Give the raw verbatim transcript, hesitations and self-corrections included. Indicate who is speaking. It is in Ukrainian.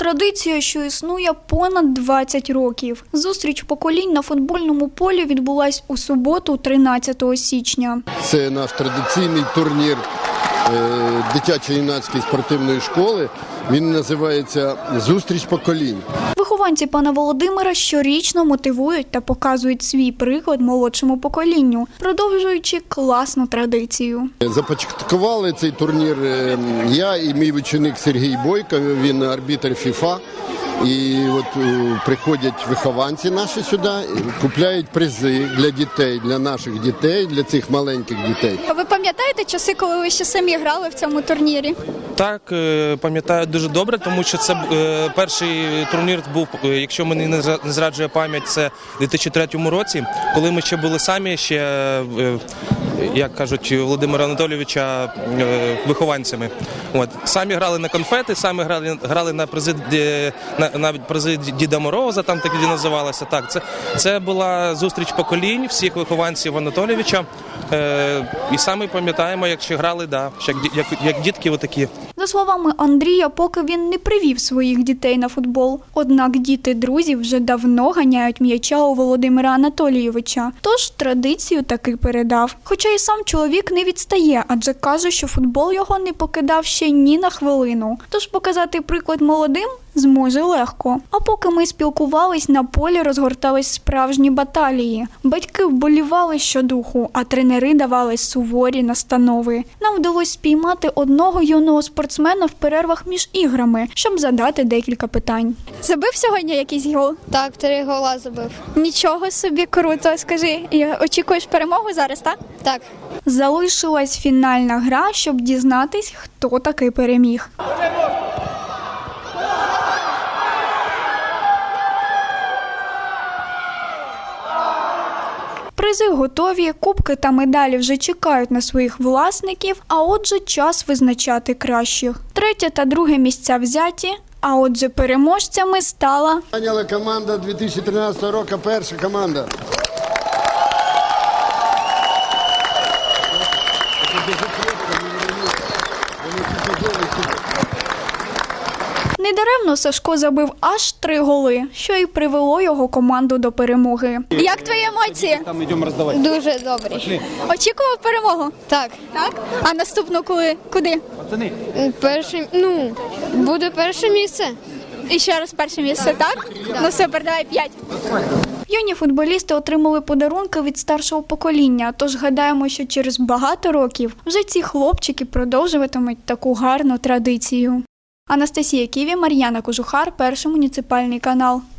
Speaker 1: Традиція, що існує понад двадцять років. Зустріч поколінь на футбольному полі відбулась у суботу, тринадцятого січня.
Speaker 2: Це наш традиційний турнір дитячо-юнацької спортивної школи. Він називається «Зустріч поколінь».
Speaker 1: Вихованці пана Володимира щорічно мотивують та показують свій приклад молодшому поколінню, продовжуючи класну традицію.
Speaker 2: Започаткували цей турнір я і мій ученик Сергій Бойко, він арбітр ФІФА. І от приходять вихованці наші сюди, купляють призи для дітей, для наших дітей, для цих маленьких дітей.
Speaker 1: А ви пам'ятаєте часи, коли ви ще самі грали в цьому турнірі?
Speaker 3: Так, пам'ятаю дуже добре, тому що це перший турнір був, якщо мені не зраджує пам'ять, це у дві тисячі третьому році, коли ми ще були самі, ще, як кажуть, Володимира Анатолійовича вихованцями. От. Самі грали на конфети, самі грали, грали на призи, на, на призи Діда Мороза, там так і називалося. Так, це, це була зустріч поколінь всіх вихованців Анатолійовича. Е, і самі пам'ятаємо, як ще грали, да, як, як, як дітки отакі.
Speaker 1: За словами Андрія, поки він не привів своїх дітей на футбол. Однак діти друзів вже давно ганяють м'яча у Володимира Анатолійовича. Тож традицію таки передав. Хоча і сам чоловік не відстає, адже каже, що футбол його не покидав ще ні на хвилину. Тож показати приклад молодим зможе легко. А поки ми спілкувались, на полі розгортались справжні баталії. Батьки вболівали щодуху, а тренери давали суворі настанови. Нам вдалося спіймати одного юного спортсмена в перервах між іграми, щоб задати декілька питань. Забив сьогодні якийсь гол?
Speaker 4: Так, три гола забив.
Speaker 1: Нічого собі, круто. Скажи, очікуєш перемогу зараз, так?
Speaker 4: Так.
Speaker 1: Залишилась фінальна гра, щоб дізнатись, хто таки переміг. Призи готові, кубки та медалі вже чекають на своїх власників, а отже час визначати кращих. Третє та друге місця взяті, а отже переможцями стала...
Speaker 2: Зайняла команда дві тисячі тринадцятого року, перша команда.
Speaker 1: Недаремно Сашко забив аж три голи, що й привело його команду до перемоги. Як твої емоції?
Speaker 4: Дуже добрі.
Speaker 1: Очікував перемогу?
Speaker 4: Так.
Speaker 1: Так? А наступну коли? Куди?
Speaker 4: Перше, ну, буде перше місце.
Speaker 1: І ще раз перше місце, так? Ну супер, давай п'ять. Юні футболісти отримали подарунки від старшого покоління, тож гадаємо, що через багато років вже ці хлопчики продовжуватимуть таку гарну традицію. Анастасія Ківі, Мар'яна Кожухар, Перший муніципальний канал.